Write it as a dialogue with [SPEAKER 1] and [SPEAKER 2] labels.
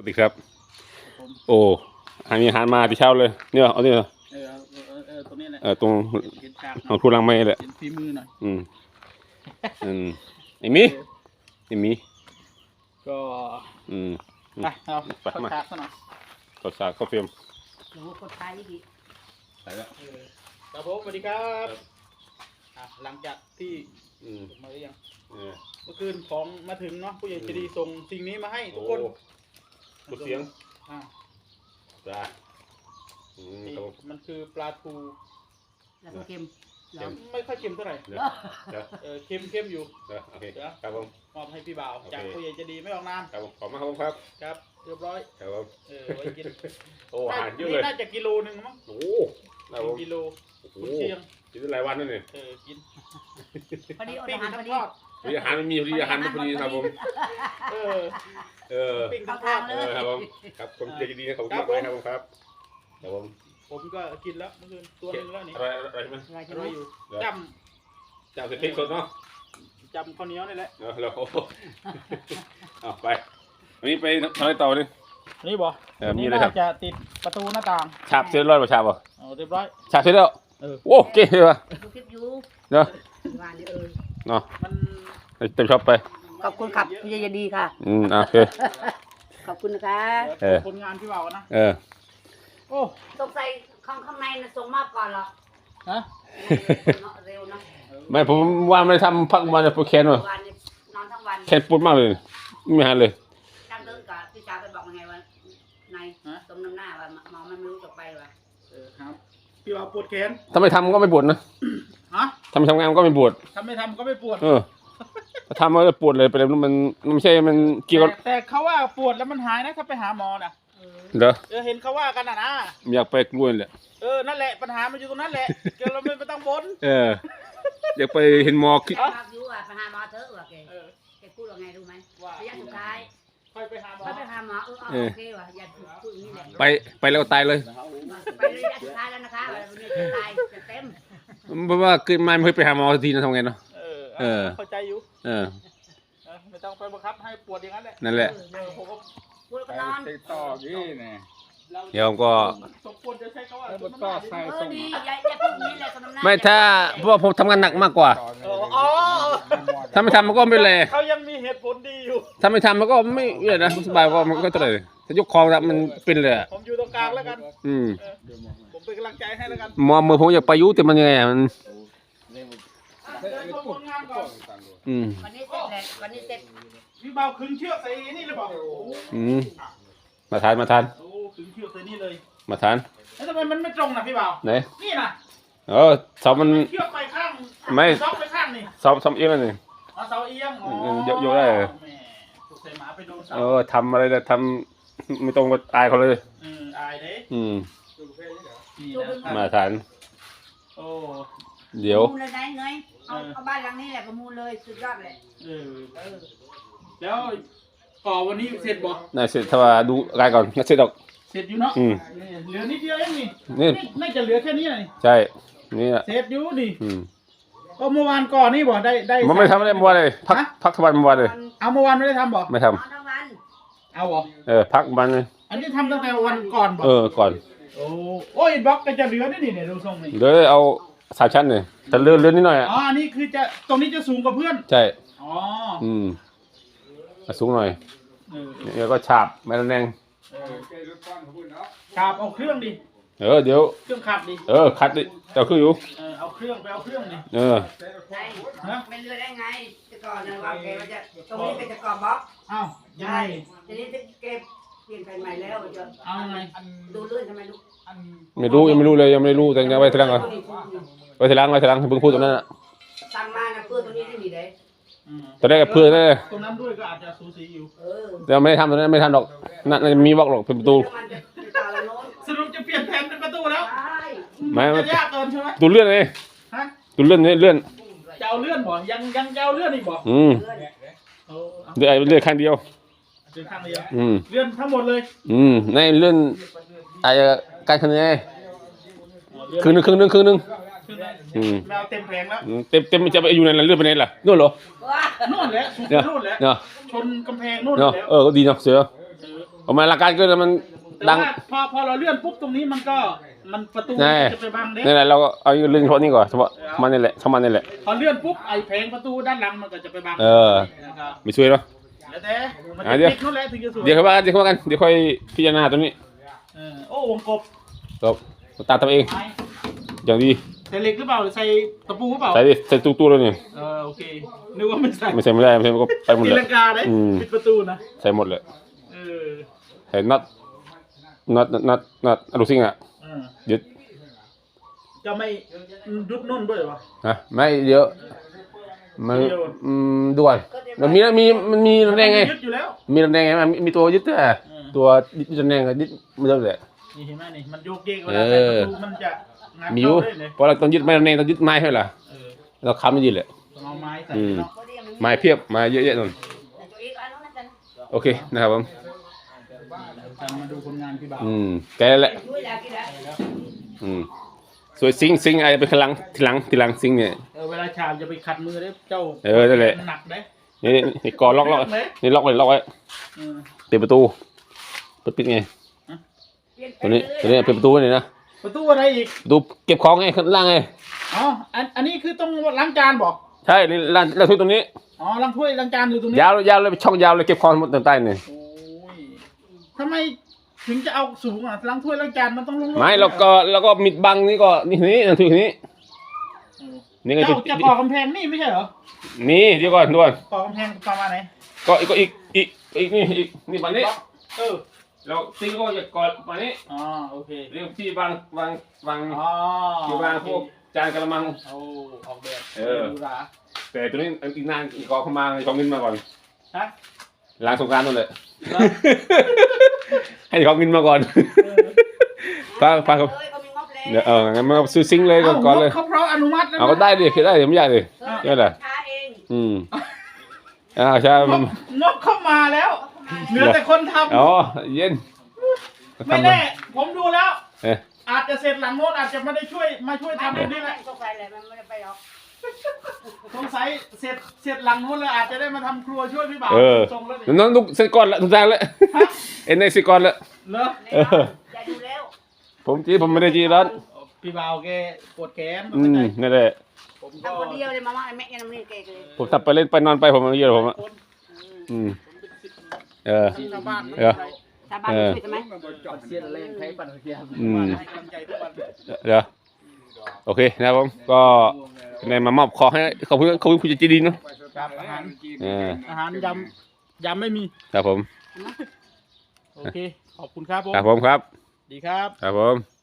[SPEAKER 1] สวัสดีครับโอ้มีอาหารมาที่เช้าเลยเนี่ยเอาเนี่ย
[SPEAKER 2] ตรงนี้แหละ
[SPEAKER 1] ตรง
[SPEAKER 2] เห็นฉาก
[SPEAKER 1] ของทุลังไม่แหละ
[SPEAKER 2] เห็นฝีมือหน่อย
[SPEAKER 1] ไอ้มี
[SPEAKER 2] ก็ไปเอาเข้าฉากซะหน่อย
[SPEAKER 1] ข้าวสารข้าวเฟียม
[SPEAKER 3] หนูคนไทยดิ
[SPEAKER 1] ใส่แล้ว
[SPEAKER 2] ครับผมสวัสดีครับหลังจากที่มาหรือยังเมื่อคืนของมาถึงเนาะผู้ใหญ่ใจดีส่งสิ่งนี้มาให้ทุกคน
[SPEAKER 1] กุเสียงจ้า
[SPEAKER 2] มันคือปลาทู
[SPEAKER 3] แล้วก็เค็ม
[SPEAKER 2] ไม่ค่อยเค็มเท่าไหร่เค็มอยู่
[SPEAKER 1] โอเคครับผม
[SPEAKER 2] มอบให้พี่บ่าวจากผู้ใหญ่ใจดีไม่ออกนาม
[SPEAKER 1] ครับผมขอบคุณครับ
[SPEAKER 2] ครับเรียบร้อย
[SPEAKER 1] ครับผม
[SPEAKER 2] ไว้กิน
[SPEAKER 1] โอ้อาหารเยอะเลย
[SPEAKER 2] น่าจะกิโลนึงมั้ง
[SPEAKER 1] โอ้
[SPEAKER 2] กิโลกุเชียง
[SPEAKER 1] กินได้หลายวันนั่นเอง
[SPEAKER 2] กิน
[SPEAKER 3] พอดีอาหารพอดี
[SPEAKER 1] อาหารไม่มีพอดีอาหารไม่พอดีครับผม
[SPEAKER 2] ปิ้งทั้งทอด
[SPEAKER 1] ครับผมครับผมใจดีนะขอบคุณมากครับผมครับ
[SPEAKER 2] ผมก็กินแล้วเมื่อคืนตัวนึงแล้วนี่
[SPEAKER 1] อะไรไหม
[SPEAKER 2] อร่อยอยู่
[SPEAKER 1] จำเสร็จพริกสดเนาะ
[SPEAKER 2] จำข้าวเหนียวนี่แหละ
[SPEAKER 1] เราเอาไปวันนี้ไปทำอะไรต่อเนี่ย
[SPEAKER 2] นี่บ่
[SPEAKER 1] มีอะไรครับ
[SPEAKER 2] จะติดประตูหน้าต่าง
[SPEAKER 1] ฉาบเสร็จร้อยป่ะฉาบป่ะ
[SPEAKER 2] เรียบร้อย
[SPEAKER 1] ฉาบเสร็จแล้วโอ้เก่งเลยว่ะ
[SPEAKER 3] ดูคลิปอยู่
[SPEAKER 1] เนาะ
[SPEAKER 3] เนาะ
[SPEAKER 2] มัน
[SPEAKER 1] เต็มช็อปไป
[SPEAKER 3] ขอบคุณครับพี่ใจดีค่ะ
[SPEAKER 1] โอเค
[SPEAKER 3] ขอบคุณนะคะ
[SPEAKER 2] คนงานพี่บ่าวนะ
[SPEAKER 3] โอ้สงสัยข้างในนะส่งมากก่อนหรอ
[SPEAKER 2] ฮะ
[SPEAKER 3] เร็วนะ
[SPEAKER 1] ไม่ผมว่าไม่ทำพักวันจะปวดแขนว่ะ
[SPEAKER 3] นอนทั้งวัน
[SPEAKER 1] แขนปวดมากเลยไม่หายเลย
[SPEAKER 3] จำเรื่องกับพี่ชายไปบอกยังไงว่านายตรงน้ำหน้าว่าหมอมันไม่รู้จะไปว่ะ
[SPEAKER 2] ครับพี่บ่าวปวดแขน
[SPEAKER 1] ถ้าไม่ทำก็ไม่ปวดนะทำงานก็ไม่ปวด
[SPEAKER 2] ถ้าไม่ทำก็ไม่ปวด
[SPEAKER 1] ถ้าทำก็ปวดเลยไปเลยมันไม่ใช่มันเกี่ยว
[SPEAKER 2] แต่เขาว่าปวดแล้วมันหายนะถ้าไปหาหมอนะ
[SPEAKER 1] เด้อ
[SPEAKER 2] เห็นเขาว่ากันนะ
[SPEAKER 1] อยากไปกล้วยแหละ
[SPEAKER 2] นั่นแหละปัญหามันอยู่ตรงนั้นแหละเราไม่ต้องบ่น
[SPEAKER 1] อยากไปเห็นหมอคิด
[SPEAKER 3] อยู่อ่ะไปหาหมอเถอะว่ะแกพูดว่าไงรู้ไหมระยะสุดท้าย
[SPEAKER 2] ไปหาหมอ
[SPEAKER 3] โอเคว่ะอย่าพูดอย่างนี้แหละ
[SPEAKER 1] ไปแล้วตายเลย
[SPEAKER 3] ไประยะสุดท้ายแล้วนะคะวันนี้จะตายจะเต็ม
[SPEAKER 1] เพราะว่าเกิดมาไม่เคยไปหาหมอทีนะทำไงเนาะ
[SPEAKER 2] เข้าใจอยู่ไม่ต้องไปบังคับให้ปวดอย่างนั้นแหละ
[SPEAKER 1] นั่นแหละ
[SPEAKER 3] ผมก็ปวดก็นอน
[SPEAKER 2] ต่อยี่เนี่ย
[SPEAKER 1] เดี๋ยวก็
[SPEAKER 2] สมควรจะใช้คำว่า
[SPEAKER 3] ก็ใส่ส่งอย่าพูดนี้เลย
[SPEAKER 1] ไม่ถ้าเพราะผมทำงานหนักมากกว่าถ้าไม่ทำมันก็ไม่เลย
[SPEAKER 2] เขายังมีเหตุผลดีอยู่
[SPEAKER 1] ถ้าไม่ทำมันก็ไม่เลยนะสบายก็มันก็เลยถ้ายกคอมันเป็นเลย
[SPEAKER 2] ผมอยู่ตรงกลางแล้วกันผมเป็นกำลังใจให้แล้วกัน
[SPEAKER 1] มอมือผมอยากไปยุ่แต่มันยังไงมัน
[SPEAKER 3] วันนี้เสร็จแล้ววันนี้เสร็จ
[SPEAKER 2] พี่เบาขึงเชือกใส่นี่เลยบอก
[SPEAKER 1] มาทาน
[SPEAKER 2] โอ้ขึงเชือกใส่นี่เลย
[SPEAKER 1] มาทาน
[SPEAKER 2] แล้วทำไมมันไม่ตรงนะพี่เบา
[SPEAKER 1] ไหน
[SPEAKER 2] นี่นะ
[SPEAKER 1] สอบมัน
[SPEAKER 2] เชือกไปข้าง
[SPEAKER 1] ไม่
[SPEAKER 2] สอบไปข้างนี่
[SPEAKER 1] สอบเอียงนี่
[SPEAKER 2] เสาเอียง
[SPEAKER 1] โยกได้
[SPEAKER 2] ใส่หมาไปโดน
[SPEAKER 1] ทำอะไรจะทำไม่ตรงก็ตายเขาเลย
[SPEAKER 2] อายเด้
[SPEAKER 1] มาทาน
[SPEAKER 2] โอ้
[SPEAKER 1] เดี๋ยว
[SPEAKER 3] มูลเลยไหนเงยเอาบ้านหลังนี้แหละก็มูลเลยสุดยอดเลย
[SPEAKER 2] แล้วก่อวันนี้เสร็จบ่
[SPEAKER 1] น่าเสร็จถ้าว่าดูรายก่อนน่าเสร็จดอก
[SPEAKER 2] เสร็จอยู่เนาะเหลือนิดเดียวเองนี่น่าจะเหลือแค่นี้เลย
[SPEAKER 1] ใช่นี่
[SPEAKER 2] เสร็จอยู่ดิก็เมื่อวานก่อนนี่บ่ได้
[SPEAKER 1] มันไม่ทำอะไรเมื่อวานเลยพักทั้งวันเมื่อวานเลย
[SPEAKER 2] เอาเมื่อวานไม่ได้ทำบ่
[SPEAKER 1] ไม่ทำ
[SPEAKER 2] เอาบ่
[SPEAKER 1] พักวันเลย
[SPEAKER 2] อันนี้ทำตั้งแต่วันก่อนบ่
[SPEAKER 1] ก่อน
[SPEAKER 2] โอ้ยบล็อกก็จะเหลือนี่ดูทรงนี่
[SPEAKER 1] เลยเอา3 ชั้นเลยแต่เลื่อนนิดหน่อย
[SPEAKER 2] อ๋อนี่คือจะตรงนี้จะสูงกว่าเพื่อน
[SPEAKER 1] ใช่
[SPEAKER 2] มา
[SPEAKER 1] สูงหน่อยแล้วก็ฉาบไม้ระแนง
[SPEAKER 2] ฉาบเอาเครื่องดิ
[SPEAKER 1] เดี๋ยว
[SPEAKER 2] เครื่องขัดดิ
[SPEAKER 1] ขัดดิเอาเครื่องอยู่
[SPEAKER 2] เอาเครื่องไปเอาเครื่องดิ
[SPEAKER 3] ใช่ไม่เลือกได้ไงจะก่อนนะว่าแกจะตรงนี้เป็นจะก่อบล็อก
[SPEAKER 2] ยังไง
[SPEAKER 3] ทีนี้จะเก็บเปลี่ยนไปใหม่แล้วจะ
[SPEAKER 2] เอาไง
[SPEAKER 3] ดูเลื่อนทำไมลูก
[SPEAKER 1] ไม่รู้ยังไม่รู้เลยยังไม่รู้แต่ยังไว้ทีหลังก่อนไว้ทีหลังเพิ่งพูดตรงนั้น
[SPEAKER 3] ตั้งมานะเพื่อตรงนี้ได้มีได้
[SPEAKER 1] ตอนแรกเพื่อนเลย
[SPEAKER 2] ตรงนั้นด้วยก็อาจจะสูสีอยู่
[SPEAKER 1] แต่ไม่ได้ทำตรงนั้นไม่ทำหรอกนั่นมีบล็อกหรอกเป็นประตู
[SPEAKER 2] สรุปจะเปลี่ยนแผนเป็นประตูแล้ว
[SPEAKER 1] ไม่
[SPEAKER 2] ยากเกินใช่ไหม
[SPEAKER 1] ตูเลื่อนเลยตูเลื่อนนี่เลื่อน
[SPEAKER 2] จะเอาเลื่อนบ่ยังจะเอาเลื่อนอีกบ่
[SPEAKER 1] เลื่อนข้างเดียว
[SPEAKER 2] เลื่อนข้างเดียวเลื่อนทั้งหมดเลย
[SPEAKER 1] ในเลื่อนการคะแนนครึ่งนึง
[SPEAKER 2] เราเต็มแผงแล้ว
[SPEAKER 1] เต็มจะไปอยู่ในนั้นเลื่อนไปไหนล่ะนู่นเหรอ
[SPEAKER 2] นู่นแหละสุดนู่นแหละชนกำแพงนู่นแล้ว
[SPEAKER 1] ก็ดีเนาะเสือผมมาหลักการก็มัน
[SPEAKER 2] แต่
[SPEAKER 1] ดัง
[SPEAKER 2] ว่าพอเราเลื่อนปุ๊บตรงนี้มันประตู
[SPEAKER 1] แน่
[SPEAKER 2] จะไปบังเด็
[SPEAKER 1] นี่แหละเราก็เอาเรื่องเฉพาะนี้ก่อนเฉพาะมันนี่แหละเฉพาะมันนี่แหละ
[SPEAKER 2] พอเลื่อนปุ๊บไอ้แผงประตูด้านหลังมันก็จะไปบัง
[SPEAKER 1] เออ
[SPEAKER 2] นะครับ
[SPEAKER 1] ไม่ช่วยเนาะ
[SPEAKER 2] แล้วแต่มัน
[SPEAKER 1] อ่ะ
[SPEAKER 2] จะ
[SPEAKER 1] เดี๋ยว
[SPEAKER 2] ติดนู่นแหละถึงจะสวย
[SPEAKER 1] เดี๋ยวค่อยว่ากันเดี๋ยวค่อยพิจารณาตัวนี้
[SPEAKER 2] โอ้วงกบ
[SPEAKER 1] ก็ตามทำเอง
[SPEAKER 2] ไม้
[SPEAKER 1] อย่างดี
[SPEAKER 2] ใส่เหล็กหรือเปล่าหรือใส่ตะปูหรือเปล่า
[SPEAKER 1] ใส่ดิใส่ตู้เลยนี่
[SPEAKER 2] โอเคนึกว่าไม่ใส่
[SPEAKER 1] ไม่ใส่ไม่ได้ไม่ใส่มันก็ไปหมด
[SPEAKER 2] ตี
[SPEAKER 1] เลย
[SPEAKER 2] ลังกาได้ปิดประตูนะ
[SPEAKER 1] ใส่หมดเลย
[SPEAKER 2] เออ
[SPEAKER 1] ใส่น็อตอะลูซิ่งอ่ะ
[SPEAKER 2] เออ
[SPEAKER 1] ยึด
[SPEAKER 2] จะไม่ยุดนุ่นด้วยวะ
[SPEAKER 1] นะไม่เดี๋ยวมันด่วนมันมีระแนงไง
[SPEAKER 2] ยึดอยู่แล้ว
[SPEAKER 1] มีระแนงไงมันมีตัวยึดแต่ตัวยึดระแนงกับยึดมันเริ่มเลย
[SPEAKER 2] นี่เห็นไหมนี่มันโยกเยกเวลาใส่ประตูมันจะงัด
[SPEAKER 1] มีอยู่
[SPEAKER 2] เข้าได้เลย
[SPEAKER 1] เพราะเราต้องยึดไม้ระแนงต้องยึดไม้ให้ล่ะ
[SPEAKER 2] เออ
[SPEAKER 1] เราค้ำมันยึดเลย
[SPEAKER 2] ต้องเอาไม้ใส่
[SPEAKER 1] อืม
[SPEAKER 2] เนาะ
[SPEAKER 1] ไม้เพียบไม้เยอะๆนั่น
[SPEAKER 3] ตัวอีกอันนู้นนั่นกัน
[SPEAKER 1] โอเคนะครับผม
[SPEAKER 2] จะมาดูผลงานพี่บ่าว
[SPEAKER 1] แกแหละ
[SPEAKER 3] ช่วยแล้วกี่แล้ว
[SPEAKER 1] สวยซิงไอ้ไปข้างหลังทีหลังซิงเนี่ย
[SPEAKER 2] เวลาฉาบจะไปขัดมือได้เจ้า
[SPEAKER 1] นั่นแหละ
[SPEAKER 2] หนักได้
[SPEAKER 1] นี่กอล็อกนี่ล็อกไว้
[SPEAKER 2] เออ
[SPEAKER 1] ปิดประตูปิดไงตัวนี้ปิดประตูไว้เลยนะ
[SPEAKER 2] ประตูอะไรอีก
[SPEAKER 1] ประตูเก็บของไงข้างล่างไง
[SPEAKER 2] อ๋ออันนี้คือต้องล้างจานบอก
[SPEAKER 1] ใช่นี่ร้านทุกตรงนี้
[SPEAKER 2] อ๋อล้างถ้วยล้างจานอยู่ตรงนี้
[SPEAKER 1] ยาวเลยช่องยาวเลยเก็บของหมดใต้เนี่ย
[SPEAKER 2] โอ้ยทำไมถึงจะเอาสูงอ่ะล้างถ้วยล้างจานมันต้องลง
[SPEAKER 1] ไม่แล้วก็มิดบังนี่ก็นี่ทุกนี้นี่ก็
[SPEAKER 2] เจ้าจะก่อกำแพงนี่ไม่ใช่เหรอ
[SPEAKER 1] นี่เดี๋ยวก่อนด่วน
[SPEAKER 2] ก่อกำแพงประมาณไหน
[SPEAKER 1] ก็อีกนี่บังนี้
[SPEAKER 2] เออ
[SPEAKER 1] แล้วซิงก็จะก่อนมานี้
[SPEAKER 2] อ๋อโอเค
[SPEAKER 1] เรียกที่วาง
[SPEAKER 2] อ๋อ
[SPEAKER 1] ที่วางพวกจานกระมัง
[SPEAKER 2] เอาออกแบบ
[SPEAKER 1] เออ
[SPEAKER 2] ดูหรา
[SPEAKER 1] แต่ตัวนี้อีกนานอีกก่อเข้ามาของเงินมาก่อน
[SPEAKER 2] ฮะ
[SPEAKER 1] ล้างสงกรานต์นั่นแหละ ให้เขาเงินมาก่อนป้าครับ
[SPEAKER 3] เอ้ยเขามีงบแล้ว
[SPEAKER 1] เดี๋ยวงั้นมาซื้อซิงค์เลยก่อนเลย
[SPEAKER 2] เขาเพราะอนุมัติแล้วนะ
[SPEAKER 1] เอาก็ได้ดิคือได้เดี๋ยวไม่ยากดิ
[SPEAKER 3] เออ
[SPEAKER 1] นี่แหละ
[SPEAKER 3] ช้าเอง
[SPEAKER 1] ใช่
[SPEAKER 2] งบเข้ามาแล้วเหลือแต่คนทำ
[SPEAKER 1] อ๋อเย็น
[SPEAKER 2] ไม่แน่ผมดูแล้ว
[SPEAKER 1] เอ๊ะ
[SPEAKER 2] อาจจะเสร็จหลังโน้นอาจจะไม่ได้มาช่วยทำตรงนี้แหละ
[SPEAKER 3] สงสัยเลยมันไม่ได้ไปหรอก
[SPEAKER 2] สงสัยเสร็จหลังโน้นแล้วอาจจะได้มาทำครัวช่วยพี่บ่าวส่งแล้วดิ
[SPEAKER 1] น้องลูกเสร็จก่อนละทุกทางแล้วเอ็นในสิก่อนละ
[SPEAKER 2] เหรอ
[SPEAKER 3] อย่าดูแล้ว
[SPEAKER 1] ผมไม่ได้จีร้อน
[SPEAKER 2] พี่บ่าวแกปวดแขน
[SPEAKER 1] นั่นแหละ
[SPEAKER 2] ผมก็
[SPEAKER 3] ทำคนเดียวเลยมาม่าแม่ยังไม่ได้เกเลย
[SPEAKER 1] ผมทำไปเล่นไปนอนไปผมเยอะผมอ่ะ
[SPEAKER 2] คน ชาวบ้าน
[SPEAKER 3] ชาวบ้านช่วยใช่ไหม
[SPEAKER 2] เสียแรงใช้ปั่นเสีย ให้กำลังใจทุกวัน
[SPEAKER 1] เดี๋ยวโอเคนะครับผมก็ในมามอบขอให้ขอบคุณคุณจีดีเนาะ
[SPEAKER 2] ครับอาหาร
[SPEAKER 1] อา
[SPEAKER 2] ยำไม่มี
[SPEAKER 1] ครับผม
[SPEAKER 2] โอเค ขอบคุณครับผม
[SPEAKER 1] ครับผมครับ
[SPEAKER 2] ดีครับ
[SPEAKER 1] ครับผม